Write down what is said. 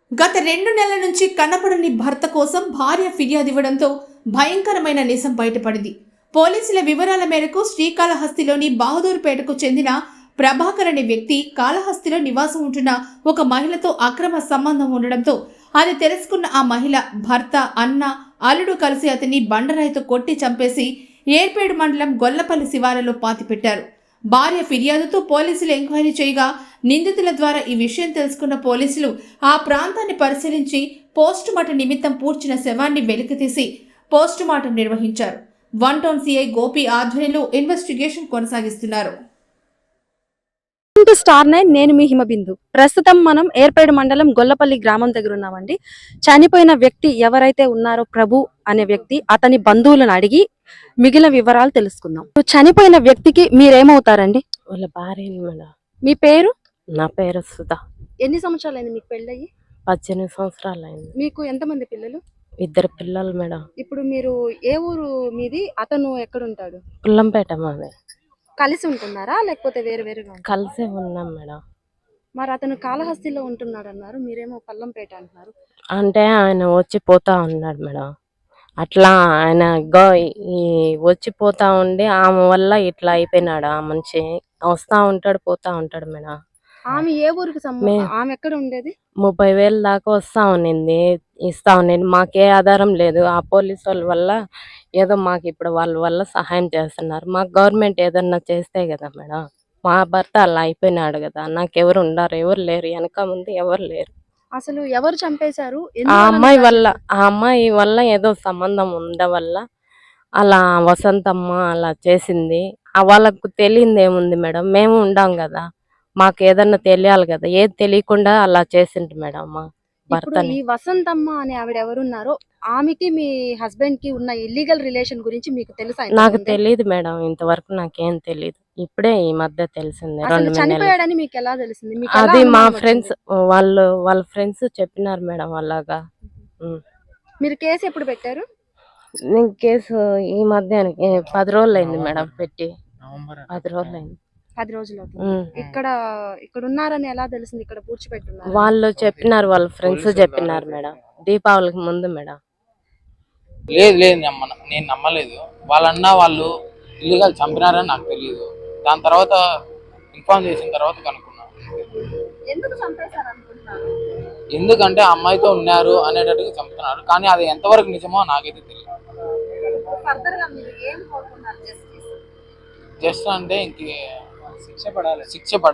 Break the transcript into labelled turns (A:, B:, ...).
A: గత 2 నెలల నుంచి కనపడని భర్త కోసం భార్య ఫిర్యాదు ఇవ్వడంతో భయంకరమైన నిజం బయటపడింది. పోలీసుల వివరాల మేరకు శ్రీకాళహస్తిలోని బహదూర్పేటకు చెందిన ప్రభాకర్ అనే వ్యక్తి కాళహస్తిలో నివాసం ఉంటున్న ఒక మహిళతో అక్రమ సంబంధం ఉండడంతో అది తెలుసుకున్న ఆ మహిళ భర్త, అన్న, అల్లుడు కలిసి అతన్ని బండరాయితో కొట్టి చంపేసి ఏర్పేడు మండలం గొల్లపల్లి శివారులో పాతిపెట్టారు. భార్య ఫిర్యాదుతో పోలీసులు ఎంక్వైరీ చేయగా నిందితుల ద్వారా ఈ విషయం తెలుసుకున్న పోలీసులు ఆ ప్రాంతాన్ని పరిశీలించి పోస్టుమార్టం నిమిత్తం పూడ్చిన శవాన్ని వెలికితీసి పోస్టుమార్టం నిర్వహించారు. 1 టౌన్ సిఐ గోపి ఆధ్వర్యంలో ఇన్వెస్టిగేషన్ కొనసాగిస్తున్నారు.
B: స్టార్ 9 నేను మీ హిమబిందు. ప్రస్తుతం మనం ఏర్పేడు మండలం గొల్లపల్లి గ్రామం దగ్గర ఉన్నామండి. చనిపోయిన వ్యక్తి ఎవరైతే ఉన్నారో ప్రభు అనే వ్యక్తి, అతని బంధువులను అడిగి మిగిలిన వివరాలు తెలుసుకుందాం. చనిపోయిన వ్యక్తికి మీరేమవుతారండి?
C: వాళ్ళ భార్య మేడం.
B: మీ పేరు?
C: నా పేరు సుధా.
B: ఎన్ని సంవత్సరాలు అయింది మీకు పెళ్ళయి?
C: 18 సంవత్సరాలు అయింది.
B: మీకు ఎంతమంది పిల్లలు?
C: 2 పిల్లలు మేడం.
B: ఇప్పుడు మీరు ఏ ఊరు మీది? అతను ఎక్కడ ఉంటాడు?
C: పుల్లంపేట మాది.
B: కలిసి ఉంటున్నారా లేకపోతే వేరు వేరుగా?
C: కలిసే ఉన్నాం మేడం.
B: మరి అతను కాళహస్తిలో ఉంటున్నాడు అన్నారు, మీరేమో పల్లంపేట అంటున్నారు.
C: అంటే ఆయన వచ్చిపోతా ఉన్నాడు మేడం. అట్లా ఆయన ఈ వచ్చిపోతా ఉండి ఆమె వల్ల ఇట్లా అయిపోయినాడు. ఆ మనిషి వస్తా ఉంటాడు పోతా ఉంటాడు మేడం.
B: ఆమె ఏ ఊరికి ఆమె ఎక్కడ ఉండేది?
C: 30,000 దాకా వస్తా ఉన్నింది, ఇస్తా ఉన్నింది. మాకే ఆధారం లేదు. ఆ పోలీసు వాళ్ళ వల్ల ఏదో మాకు ఇప్పుడు వాళ్ళ వల్ల సహాయం చేస్తున్నారు. మాకు గవర్నమెంట్ ఏదన్నా చేస్తే కదా మేడం. మా భర్త అలా అయిపోయినాడు కదా, నాకెవరు ఉండరు, ఎవరు లేరు, వెనక ముందు ఎవరు లేరు.
B: అసలు ఎవరు చంపేశారు?
C: ఆ అమ్మాయి వల్ల ఏదో సంబంధం వల్ల అలా వసంతమ్మ అలా చేసింది. వాళ్ళకు తెలియంది ఏముంది మేడం, మేము ఉండాం కదా, మాకు ఏదన్నా తెలియాలి కదా. ఏది తెలియకుండా అలా చేసింది మేడం మా భర్తని.
B: ఈ వసంతమ్మ అనే ఆవిడ ఎవరున్నారో ఆమెకి మీ హస్బెండ్ కి ఉన్న ఇల్లీగల్ రిలేషన్ గురించి మీకు తెలుసా?
C: నాకు తెలియదు మేడం, ఇంతవరకు నాకేం తెలియదు. ఇప్పుడే ఈ మధ్య తెలిసింది. 2 నెలలు.
B: చనిపోయాడని మీకు ఎలా తెలిసింది?
C: అది మా ఫ్రెండ్స్ వాళ్ళ ఫ్రెండ్స్ చెప్పినారు మేడం అలాగా.
B: మీరు కేసు ఎప్పుడు పెట్టారు?
C: నేను కేసు ఈ మధ్య 10 రోజులు అయింది మేడం పెట్టి. 10 రోజులు అయింది.
B: 10 రోజులు ఇక్కడ ఉన్నారని ఎలా తెలిసింది? ఇక్కడ పూడ్చిపెట్టున్నారు
C: వాళ్ళు చెప్పినారు, వాళ్ళ ఫ్రెండ్స్ చెప్పినారు మేడం. దీపావళికి ముందు మేడం.
D: లేదు నేను నమ్మలేదు. వాళ్ళు ఇల్లీగల్ చంపినారని నాకు తెలియదు. దాని తర్వాత ఇన్ఫార్మ్ చేసిన తర్వాత కనుక్కున్నాను. ఎందుకంటే అమ్మాయితో ఉన్నారు అనేటట్టుగా చంపుతున్నారు, కానీ అది ఎంతవరకు నిజమో నాకైతే తెలియదు. జస్ట్ అంటే ఇంక శిక్ష పడాలి.